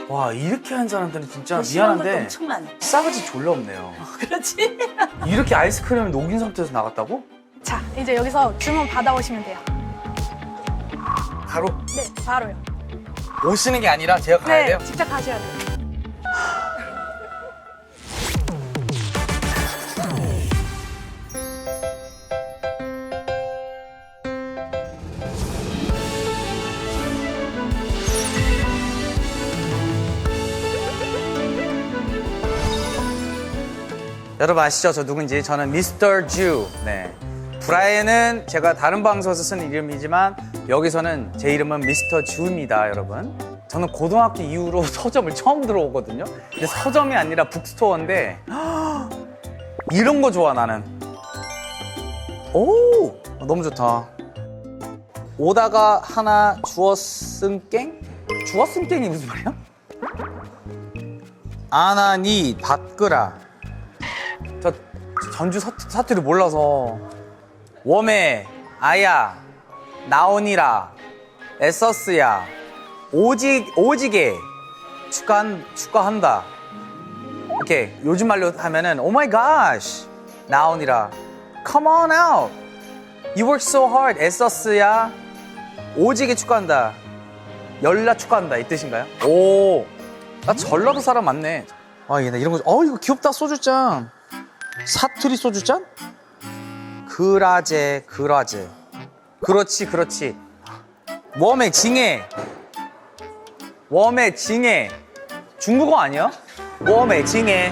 와, 이렇게 한 사람들은 진짜 싫어하는 것도 미안한데 엄청 많아. 싸가지 졸라 없네요. 그렇지? 이렇게 아이스크림을 녹인 상태에서 나갔다고? 자, 이제 여기서 주문 받아오시면 돼요. 바로 네, 바로요. 오시는 게 아니라 제가 가야 네, 돼요? 직접 가셔야 돼요. 여러분 아시죠? 저 누군지. 저는 미스터 주. 네. 브라이언은 제가 다른 방송에서 쓴 이름이지만 여기서는 제 이름은 미스터 주입니다, 여러분. 저는 고등학교 이후로 서점을 처음 들어오거든요. 근데 서점이 아니라 북스토어인데 이런 거 좋아, 나는. 오! 너무 좋다. 오다가 하나 주었은 깽? 주었은 깽이 무슨 말이야? 아나니 밭끄라. 저 전주 사투리 몰라서. 웜에 아야 나오니라 에서스야 오지게 축하한다. 이렇게 요즘 말로 하면은 Oh my gosh 나오니라 Come on out You work so hard 에서스야 오지게 축하한다. 열나 축하한다 이 뜻인가요? 오, 나 전라도 사람 맞네. 아, 얘 나 이런 거 이거 귀엽다. 소주잔. 사투리 소주잔? 그라제. 그렇지. 웜에 징해. 중국어 아니야? 웜에 징해.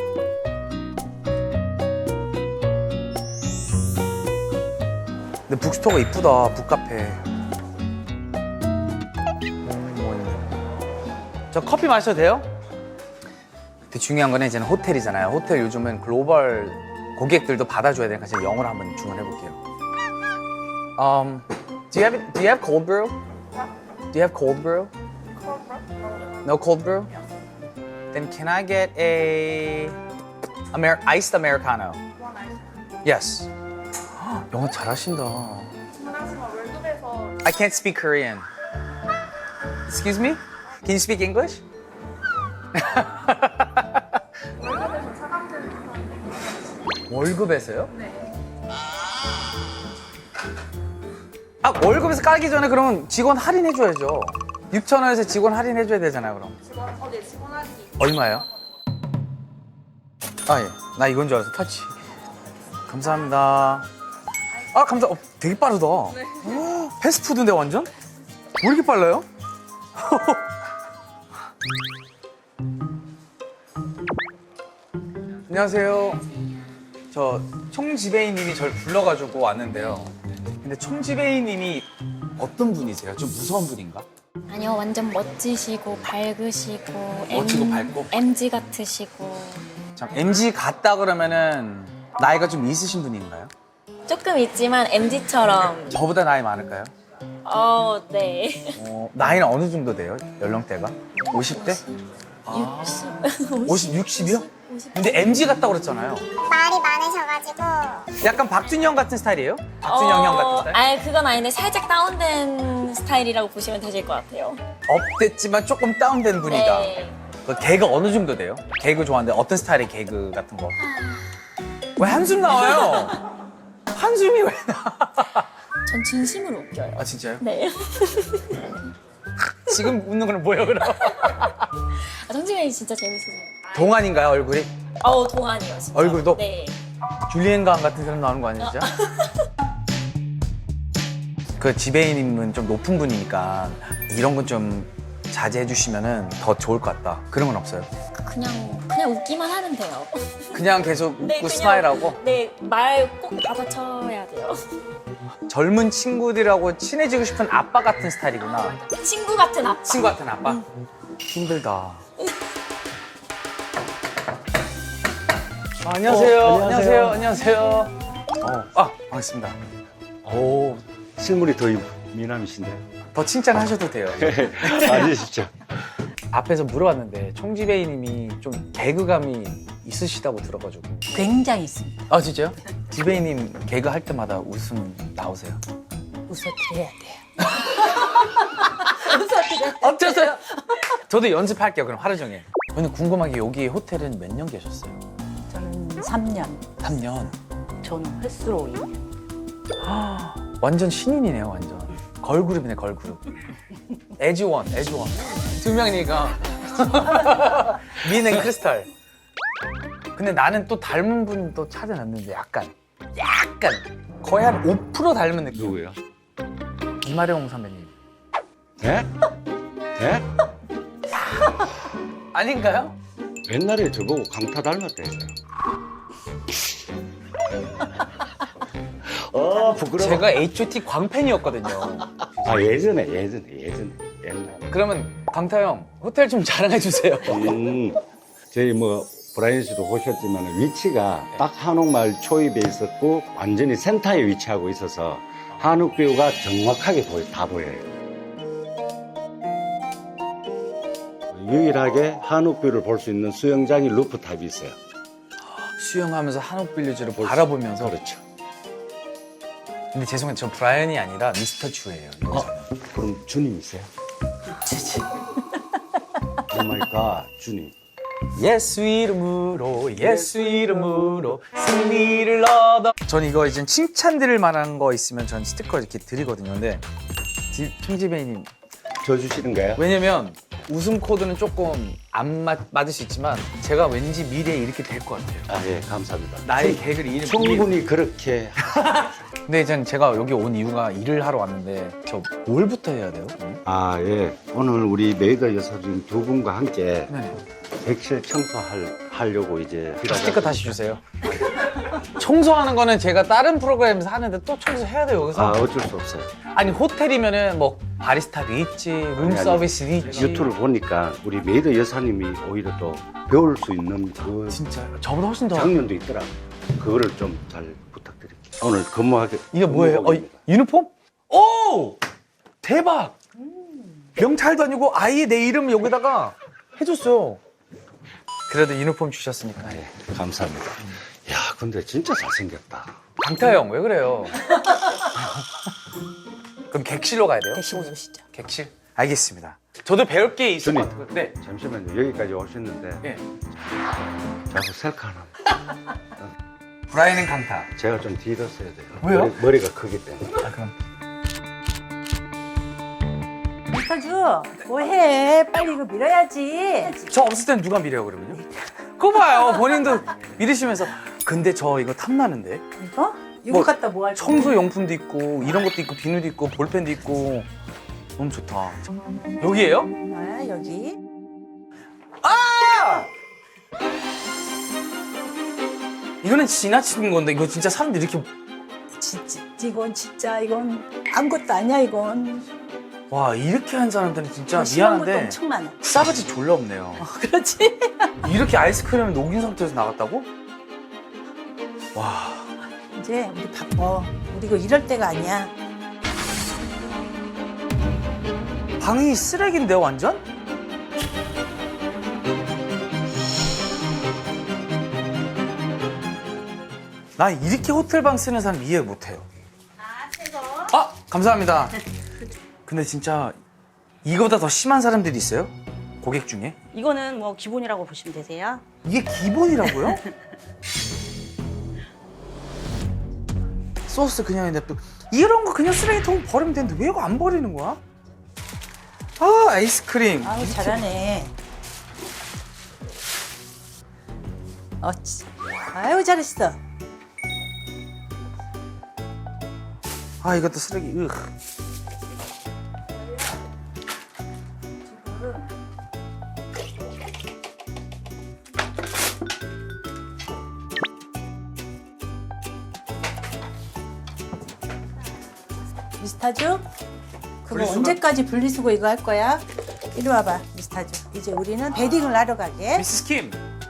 근데 북스토어가 이쁘다. 북카페. 뭐 있네. 저 커피 마셔도 돼요? 근데 중요한 거는 이제는 호텔이잖아요. 호텔 요즘은 글로벌 고객들도 받아줘야 되니까 제가 영어로 한번 주문해 볼게요. Do you have cold brew? Do you have cold brew? No cold brew? Then can I get a iced americano? Yes. 영어 잘하신다. I can't speak Korean. Excuse me? Can you speak English? 월급에서요? 네. 아, 월급에서 깔기 전에 그러면 직원 할인해줘야죠. 6,000원에서 직원 할인해줘야 되잖아요, 그럼. 직원 할인. 얼마예요? 아, 예. 나 이건 줄 알았어, 터치. 감사합니다. 아, 되게 빠르다. 네. 패스트푸드인데, 완전? 왜 이렇게 빨라요? 안녕하세요. 저 총지배이님이 저를 불러가지고 왔는데요. 근데 총지배이님이 어떤 분이세요? 좀 무서운 분인가? 아니요, 완전 멋지시고 밝으시고 멋지고 밝고? MG 같으시고 참, MG 같다 그러면은 나이가 좀 있으신 분인가요? 조금 있지만 MG처럼 저보다 나이 많을까요? 네. 나이는 어느 정도 돼요? 연령대가? 50대? 60 60이요? 근데 MG 같다고 그랬잖아요. 말이 많으셔가지고 약간 박준영 같은 스타일이에요? 박준영 형 같은 스타일? 아니 그건 아닌데 살짝 다운된 스타일이라고 보시면 되실 것 같아요. 업됐지만 조금 다운된 분이다. 네. 그 개그 어느 정도 돼요? 개그 좋아하는데 어떤 스타일의 개그 같은 거? 왜 한숨 나와요? 한숨이 왜 나? 전 진심으로 웃겨요. 아, 진짜요? 네. 지금 웃는 거는 뭐예요, 그럼? 성진이 진짜 재밌으세요. 동안인가요, 얼굴이? 동안이요, 진짜. 얼굴도? 네. 줄리엔 강 같은 사람 나오는 거 아니에요, 진짜? 그 지배인님은 좀 높은 분이니까 이런 건 좀 자제해 주시면은 더 좋을 것 같다. 그런 건 없어요? 그냥 웃기만 하면 돼요. 그냥 계속 웃고 네, 그냥, 스마일하고 네, 말 꼭 받아쳐야 돼요. 젊은 친구들하고 친해지고 싶은 아빠 같은 스타일이구나. 친구 같은 아빠. 친구 같은 아빠? 힘들다. 안녕하세요. 안녕하세요. 반갑습니다. 오, 실물이 더 미남이신데. 더 칭찬하셔도 돼요. 아니시죠? 앞에서 물어봤는데 총지배이님이 좀 개그감이 있으시다고 들어가지고. 굉장히 있습니다. 아, 진짜요? 지배이님 개그 할 때마다 웃음 나오세요? 웃어드려야 돼요. 어쩌세요? 저도 연습할게요. 그럼 하루 종일. 근데 궁금한 게 여기 호텔은 몇 년 계셨어요? 저는 3년, 3년. 저는 횟수로 2년. 완전 신인이네요, 완전. 걸그룹이네, 걸그룹. 에즈원. 두 명이니까. 민앤 크리스탈. 근데 나는 또 닮은 분 또 찾아놨는데 약간 거의 한 5% 닮은 느낌. 누구요? 이마령 선배님. 네? 네? 아닌가요? 옛날에 저보고 강타 닮았다 했어요. 부끄러워. 제가 H.O.T 광팬이었거든요. 아, 예전에, 옛날에. 그러면 강타 형 호텔 좀 자랑해 주세요. 저희 뭐, 브라이언 씨도 보셨지만 위치가 딱 한옥마을 초입에 있었고 완전히 센터에 위치하고 있어서 한옥뷰가 정확하게 다 보여요. 유일하게 한옥뷰를 볼 수 있는 수영장이 루프탑이 있어요. 수영하면서 한옥 빌리지를 바라보면서. 그렇죠. 근데 죄송해요, 저 브라이언이 아니라 미스터 주예요. 여기서는. 그럼 주님이세요? 오 마이 갓, 주님. 예수 이름으로 승리를 얻어. 전 이거 이제 칭찬드릴 만한 거 있으면 전 스티커 이렇게 드리거든요. 근데 총지배님, 저 주시는 거예요? 왜냐면 웃음 코드는 조금 안 맞을 수 있지만 제가 왠지 미래에 이렇게 될 것 같아요. 아, 예, 감사합니다. 나의 개그를 이름 충분히 그렇게. 근데 이제 제가 여기 온 이유가 일을 하러 왔는데 저 뭘부터 해야 돼요? 아, 예. 오늘 우리 메이더 여사님 두 분과 함께 네. 객실 청소하려고 이제. 스티커 다시 주세요. 청소하는 거는 제가 다른 프로그램에서 하는데 또 청소해야 돼요, 여기서. 아, 어쩔 수 없어요. 아니, 호텔이면은 뭐 바리스타도 있지, 룸 아니, 서비스도 있지. 유튜브를 보니까 우리 메이더 여사님이 오히려 또 배울 수 있는 그 진짜 저보다 훨씬 더. 장면도 있더라고요. 그거를 좀 잘 부탁드릴게요. 오늘 근무하게. 이게 뭐예요? 근무복입니다. 유니폼? 오! 대박! 명찰도 아니고 아예 내 이름 여기다가 해줬어요. 그래도 유니폼 주셨으니까. 예, 감사합니다. 야, 근데 진짜 잘생겼다. 강타 형, 왜 그래요? 그럼 객실로 가야 돼요? 대신 오시죠. 객실? 알겠습니다. 저도 배울 게 있을 것 주님. 같아요. 네. 잠시만요. 여기까지 오셨는데 네. 자꾸 셀카 하나. 브라이언 강타. 제가 좀 뒤로 써야 돼요. 왜요? 머리가 크기 때문에. 아, 그럼. 미스터주, 뭐해? 빨리 이거 밀어야지. 저 없을 땐 누가 미래요, 그러면요? 그거 봐요. 본인도 미르시면서. 근데 저 이거 탐나는데? 이거? 이거 갖다 뭐 할 거야? 청소 용품도 있고, 이런 것도 있고, 비누도 있고, 볼펜도 있고. 너무 좋다. 여기에요? 아, 여기. 이거는 지나치는 건데, 이거 진짜 사람들이 이렇게. 이건 진짜 이건 아무것도 아니야 이건. 와, 이렇게 한 사람들은 진짜 심한 것도 미안한데. 엄청 많아. 싸가지 졸라 없네요. 그렇지? 이렇게 아이스크림을 녹인 상태에서 나갔다고? 와. 이제 우리 바빠. 우리 이거 이럴 때가 아니야. 방이 쓰레기인데요, 완전? 나 이렇게 호텔방 쓰는 사람 이해 못해요. 아, 감사합니다. 근데 진짜 이거보다 더 심한 사람들이 있어요? 고객 중에? 이거는 뭐 기본이라고 보시면 되세요. 이게 기본이라고요? 소스 그냥 냅둬. 이런 거 그냥 쓰레기통 버리면 되는데 왜 이거 안 버리는 거야? 아, 아이스크림. 아우 잘하네. 아유 잘했어. 아, 이것도 쓰레기. 으. 미스터주? 그거 분리수거? 언제까지 분리수거 이거 할 거야? 이리 와봐 미스터주. 이제 우리는 베딩을 하러 가게. 미스스 킴.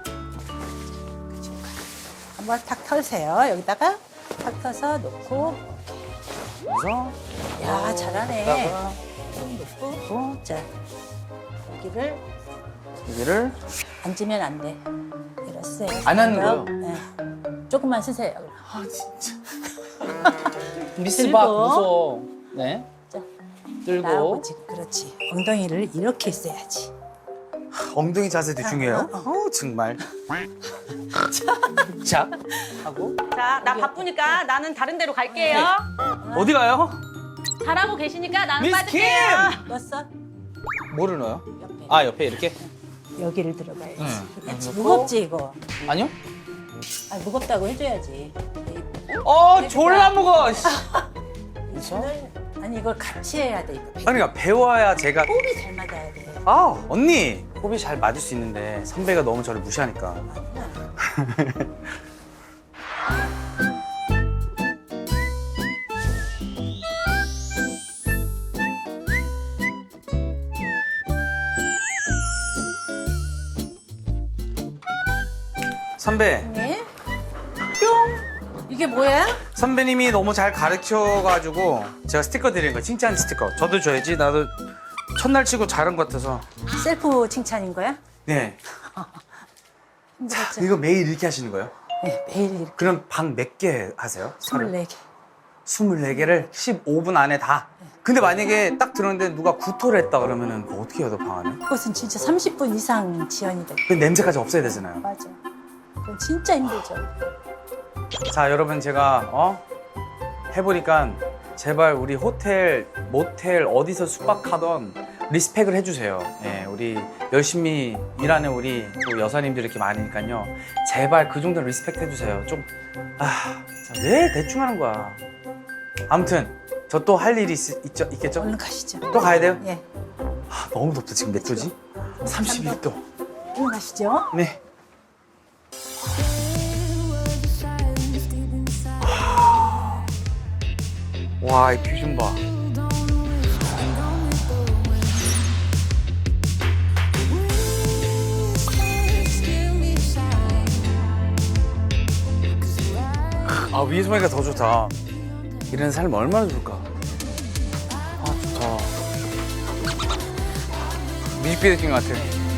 한번 탁 털세요. 여기다가 탁 터서 놓고. 그래서 야 잘하네. 좀 놓고. 자 여기를 여기를 앉으면 안 돼. 이랬어요. 안 하는 거예요? 네. 조금만 쓰세요. 아, 진짜. 그리고- 미스박 무서워. 네. 자 들고. 나오고 지금 그렇지. 엉덩이를 이렇게 있어야지. 엉덩이 자세도 중요해요. 정말. 자, 하고. 자, 나 바쁘니까 나는 다른 데로 갈게요. 어디 가요? 잘하고 계시니까 나는 미스 빠질게요. 넣었어? 뭐를 넣어요? 옆에. 아, 옆에 이렇게? 여기를 들어가야지. 응. 그렇지. 넣고. 무겁지 이거. 아니요? 아 무겁다고 해줘야지. 졸라 무거워. 씨. 손을 아니 이걸 같이 해야 돼 이거. 아니, 그러니까 배워야 제가. 호흡이 잘 맞아야 돼. 아, 언니. 호흡이 잘 맞을 수 있는데 선배가 너무 저를 무시하니까. 선배, 네? 뿅. 이게 뭐야? 선배님이 너무 잘 가르쳐가지고 제가 스티커 드리는 거 칭찬 스티커. 저도 줘야지. 나도 첫날 치고 잘한 것 같아서. 셀프 칭찬인 거야? 네. 힘들었죠? 이거 매일 이렇게 하시는 거예요? 네, 매일 이렇게 그럼 방 몇 개 하세요? 24개. 24개를 15분 안에 다. 근데 만약에 딱 들었는데 누가 구토를 했다 그러면은 그거 어떻게 해요, 방 안에? 그것은 진짜 30분 이상 지연이 돼. 그 냄새까지 없애야 되잖아요. 맞아. 그건 진짜 힘들죠. 자, 여러분 제가 해보니까 제발 우리 호텔, 모텔 어디서 숙박하던 리스펙을 해주세요. 예, 우리 열심히 일하는 우리 또 여사님들 이렇게 많으니까요. 제발 그 정도 리스펙 해주세요. 좀, 자, 왜 대충 하는 거야. 아무튼 저 또 할 일이 있겠죠? 얼른 가시죠. 또 가야 돼요? 예. 너무 덥다. 지금 몇 도지? 31도. 얼른 가시죠. 네. 와, 이 뷰 좀 봐. 위에서 보니까 더 좋다. 이런 삶 얼마나 좋을까. 좋다. 뮤직비디오 찍은 것 같아.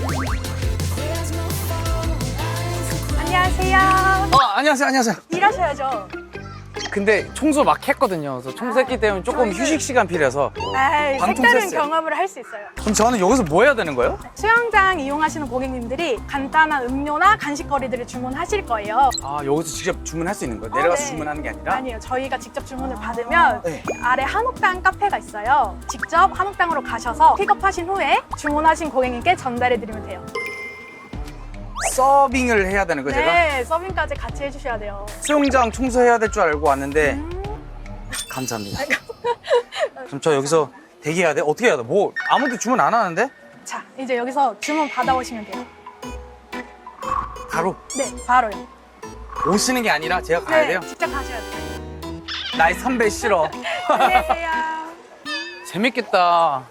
안녕하세요. 안녕하세요. 일하셔야죠. 근데 청소 막 했거든요. 그래서 청소했기 때문에 조금 휴식 시간 필요해서. 에이, 방통 색다른 세스. 경험을 할 수 있어요. 그럼 저는 여기서 뭐 해야 되는 거예요? 수영장 이용하시는 고객님들이 간단한 음료나 간식거리들을 주문하실 거예요. 여기서 직접 주문할 수 있는 거예요? 내려가서 네. 주문하는 게 아니라? 아니에요. 저희가 직접 주문을 받으면 네. 아래 한옥당 카페가 있어요. 직접 한옥당으로 가셔서 픽업하신 후에 주문하신 고객님께 전달해드리면 돼요. 서빙을 해야 되는 거예요, 제가? 네, 서빙까지 같이 해주셔야 돼요. 수영장 청소해야 될 줄 알고 왔는데 감사합니다. 그럼 저 여기서 대기해야 돼? 어떻게 해야 돼? 뭐 아무도 주문 안 하는데? 자, 이제 여기서 주문 받아오시면 돼요. 바로 네, 바로요. 오시는 게 아니라 제가 가야 네, 돼요? 직접 가셔야 돼요. 나의 선배 싫어. 안녕하세요. 재밌겠다.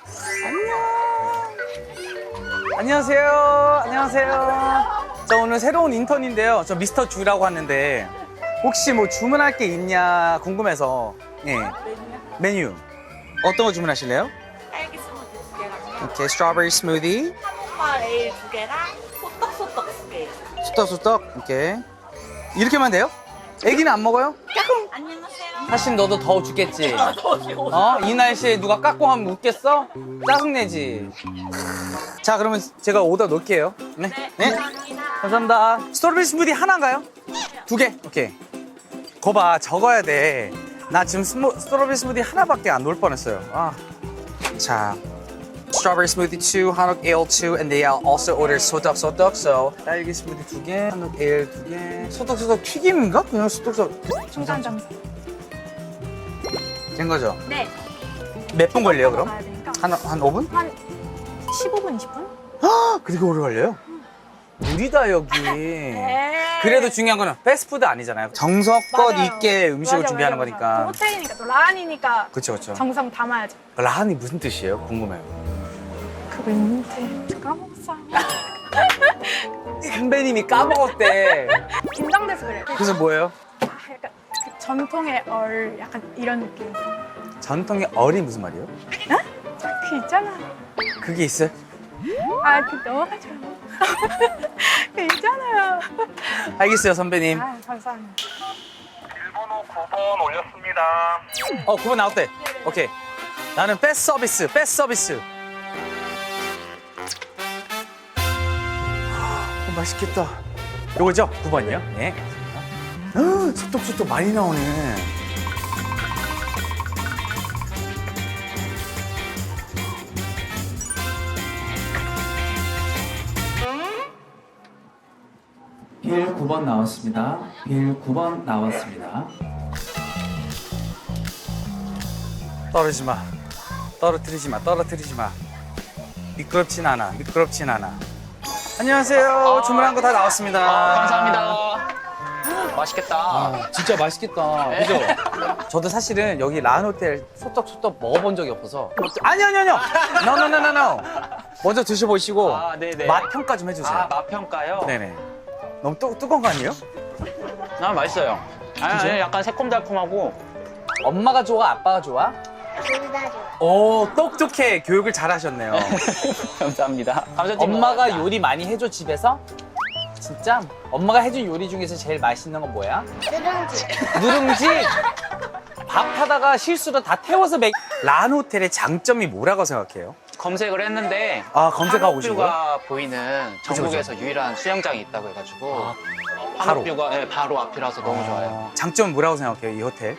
안녕하세요. 저 오늘 새로운 인턴인데요. 저 미스터 주라고 하는데 혹시 뭐 주문할 게 있냐 궁금해서. 예. 메뉴. 어떤 거 주문하실래요? 딸기 스무디 2개랑 오케이, 스트로베리 스무디. 한파 에일 2개랑 소떡소떡 2개. 수떡수떡. 오케이. 이렇게만 돼요? 애기는 안 먹어요? 안녕하세요. 사실 너도 더워 죽겠지? 이 날씨에 누가 깎고 하면 웃겠어? 짜증내지? 자, 그러면 제가 오더 놓을게요. 네. 감사합니다. 스트로베리 스무디 하나인가요? 2개? 오케이. 거봐, 적어야 돼. 나 지금 스트로베리 스무디 하나밖에 안 놓을 뻔했어요. 자. Strawberry smoothie 2, 한옥 ale 2, and they also ordered 소떡소떡. So 딸기 스무디 2개, 한옥 ale 2개. 소떡소떡 튀김인가? 그냥 소떡소떡 중간 점수. 된 거죠? 네. 몇 분 걸려요, 그럼? 가야 되니까. 한 5분? 한 15분, 20분? 그렇게 오래 걸려요? 무리다, 여기. 네. 그래도 중요한 거는 패스트푸드 아니잖아요. 정성껏 맞아요. 있게 음식을 맞아, 준비하는 맞아, 거니까. 맞아. 또 호텔이니까 또 라한이니까 그쵸, 그쵸. 정성 담아야죠. 라한이 무슨 뜻이에요? 궁금해요. 그거 있는데 까먹었어. 선배님이 까먹었대. 긴장돼서 그래. 그래서 뭐예요? 약간 그 전통의 약간 이런 느낌. 전통의 얼이 무슨 말이에요? 그 있잖아. 그게 있어요? 그 넘어가죠. 그 있잖아요. 알겠어요, 선배님. 감사합니다. 1번호 9번 올렸습니다. 9번 나왔대. 오케이. 나는 패스 서비스, 패스 서비스. 맛있겠다. 요거죠? 9번이요? 네. 소떡소떡 많이 나오네. 빌 9번 나왔습니다. 빌 9번 나왔습니다. 떨어지지 마. 떨어뜨리지 마. 떨어뜨리지 마. 미끄럽진 않아. 미끄럽진 않아. 안녕하세요. 주문한 거 다 나왔습니다. 감사합니다. 맛있겠다. 진짜 맛있겠다. 그죠? 저도 사실은 여기 라한호텔 소떡소떡 먹어본 적이 없어서. 아니요. No. 먼저 드셔보시고 아, 네네. 맛 평가 좀 해주세요. 아, 맛평가요? 네네. 너무 뜨거운 거 아니에요? 아, 맛있어요. 아니, 약간 새콤달콤하고. 엄마가 좋아? 아빠가 좋아? 둘 다 좋아. 오, 똑똑해. 교육을 잘 하셨네요. 감사합니다. 감사드립니다. 엄마가 요리 많이 해줘, 집에서? 진짜? 엄마가 해준 요리 중에서 제일 맛있는 건 뭐야? 누룽지. 누룽지? 밥 하다가 실수로 다 태워서 라한호텔의 장점이 뭐라고 생각해요? 검색을 했는데. 아, 검색하고 오신 거예요? 한옥뷰가 보이는 전국에서 유일한 수영장이 있다고 해가지고. 아, 바로? 한옥뷰가 네, 바로 앞이라서 너무 좋아요. 장점은 뭐라고 생각해요, 이 호텔?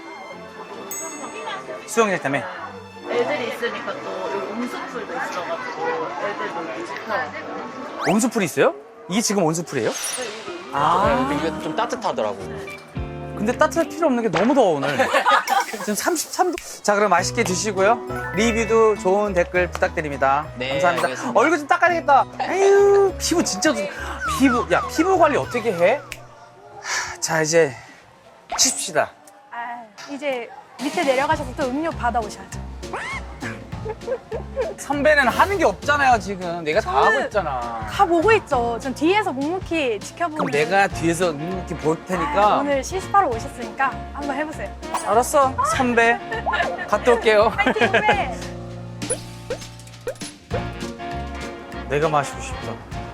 수영장 때문에? 애들이 있으니까 또 여기 온수풀도 있어가지고 애들 놀기 좋고. 온수풀이 있어요? 이게 지금 온수풀이에요? 네, 아, 근데 이게 좀 따뜻하더라고요. 근데 따뜻할 필요 없는 게 너무 더워, 오늘. 지금 33도. 자, 그럼 맛있게 드시고요. 리뷰도 좋은 댓글 부탁드립니다. 네, 감사합니다. 알겠습니다. 얼굴 좀 닦아야 되겠다. 에휴, 피부 진짜 피부 관리 어떻게 해? 자, 이제 쉬십시다. 아, 이제 밑에 내려가셔서 또 음료 받아오셔야죠. 선배는 하는 게 없잖아요, 지금. 내가 다 하고 저는 있잖아. 다 보고 있죠. 전 뒤에서 묵묵히 지켜보는. 그럼 내가 뒤에서 이렇게 볼 테니까. 오늘 실습하러 오셨으니까 한번 해보세요. 알았어, 선배. 갔다 올게요. 파이팅 후배! 내가 마시고 싶다.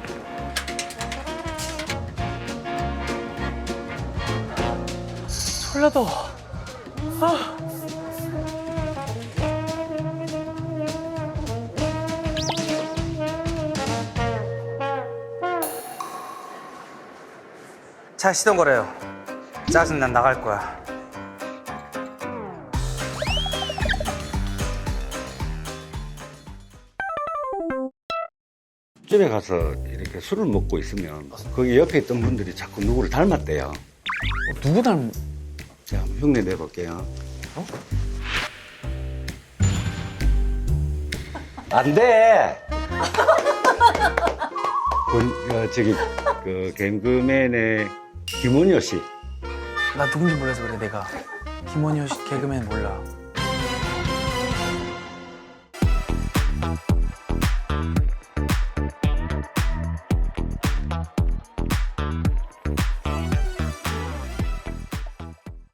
졸려도. 자, 시동 걸어요. 짜증난 나갈 거야. 집에 가서 이렇게 술을 먹고 있으면 거기 옆에 있던 분들이 자꾸 누구를 닮았대요. 누구 닮은? 자, 한번 흉내 내볼게요. 안 돼! 그 개그맨의 김원효 씨. 나 누군지 몰라서 그래, 내가. 김원효 씨 개그맨 몰라.